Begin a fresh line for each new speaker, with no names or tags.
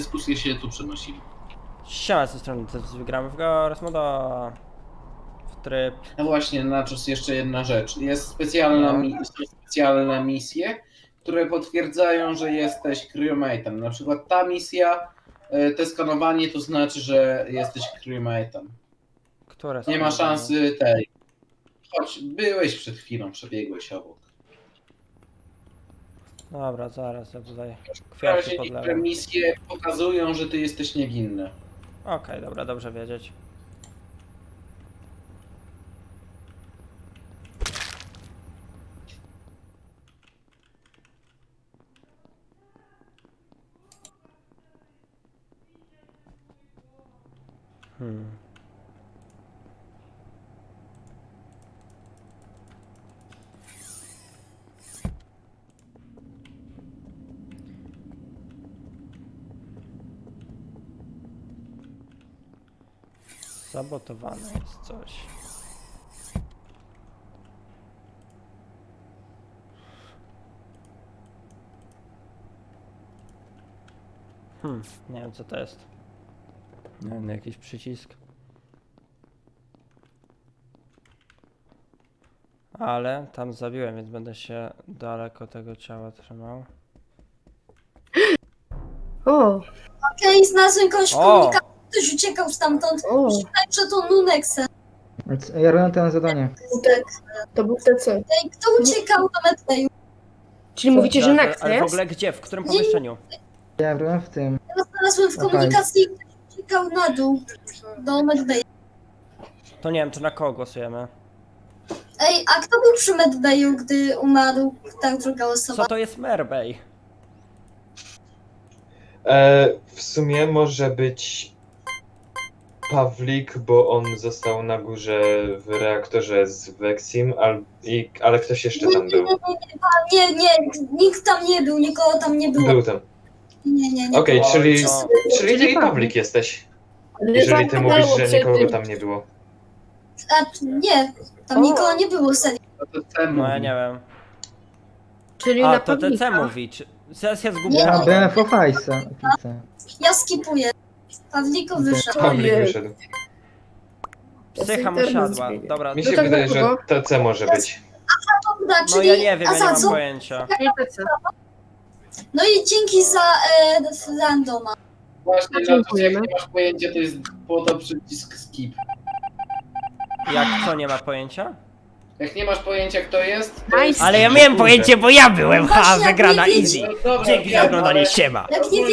dyskusje się tu przenosili.
Siema, z tej strony to wygramy w Ghost Moda. W tryb.
No właśnie, Nachos, jeszcze jedna rzecz. Jest specjalna są specjalne misje, które potwierdzają, że jesteś crewmate'em. Na przykład ta misja, te skanowanie to znaczy, że jesteś crewmate'em.
Które
Nie ma
są
szansy tej. Choć byłeś przed chwilą, przebiegłeś obok.
Dobra, zaraz ja tutaj
W razie
kwiatki
niektóre
podlewam.
misje pokazują, że ty jesteś niewinny.
Okej, dobra, dobrze wiedzieć. Sabotowane jest coś. Nie wiem co to jest. Nie wiem, jakiś przycisk. Ale tam zabiłem, więc będę się daleko tego ciała trzymał.
O,
Okej, znalazłem kogoś w
O!
komunikacji, ktoś uciekał stamtąd.
o,
Myślałem, że to Nunexen.
Ja robię to zadanie.
to był TC.
Ej, kto uciekał do Medbayu?
Czyli mówicie, że
Zaraz,
Nexa
ale w
jest?
ogóle gdzie? W którym pomieszczeniu?
Ja robię w tym.
Ja znalazłem w
Okej.
komunikacji i ktoś uciekał na dół do Medbayu.
To nie wiem, to na kogo głosujemy?
Ej, a kto był przy Medbayu, gdy umarł ta druga osoba?
Co to jest Merbej?
W sumie może być Pawlik, bo on został na górze w reaktorze z Vexim, ale ktoś jeszcze tam był.
Nie, nikt tam nie był, nikogo tam nie było.
Był tam.
Nie.
Okej,
Oj,
czyli
no.
ty i Pawlik jesteś. Jeżeli ty mówisz, że nikogo tam nie było.
A, nie, tam nikogo nie było, serio.
To ten
No ja
mówi.
nie wiem.
Czyli
A,
na
to TC
Pawlika.
mówi. Zaraz ja
Nie.
zgubiłem.
Ja byłem w Ofajsa.
Ja skipuję. Pawliko wyszedł.
Pawlik
Ojej.
wyszedł.
Psycha mu siadła. Dobra,
Mi
No
się
tak
wydaje, że
było.
TC może być.
Dobra,
no
czyli...
ja nie wiem,
a
ja
za
nie mam
co?
pojęcia.
Czyli TC.
No i dzięki za randoma.
Właśnie, Nachos, jak
Dziękujemy.
nie masz pojęcia, to jest po to przycisk skip.
Jak co, nie ma pojęcia?
Jak nie masz pojęcia, kto jest, to
Nice.
jest...
Ale ja miałem pojęcie, bo ja byłem, ha,
Właśnie, jak
wygrana
nie
easy.
wiedzieć.
No dobra,
Dzięki za
wiem,
oglądanie,
ale-
siema.
Jak nie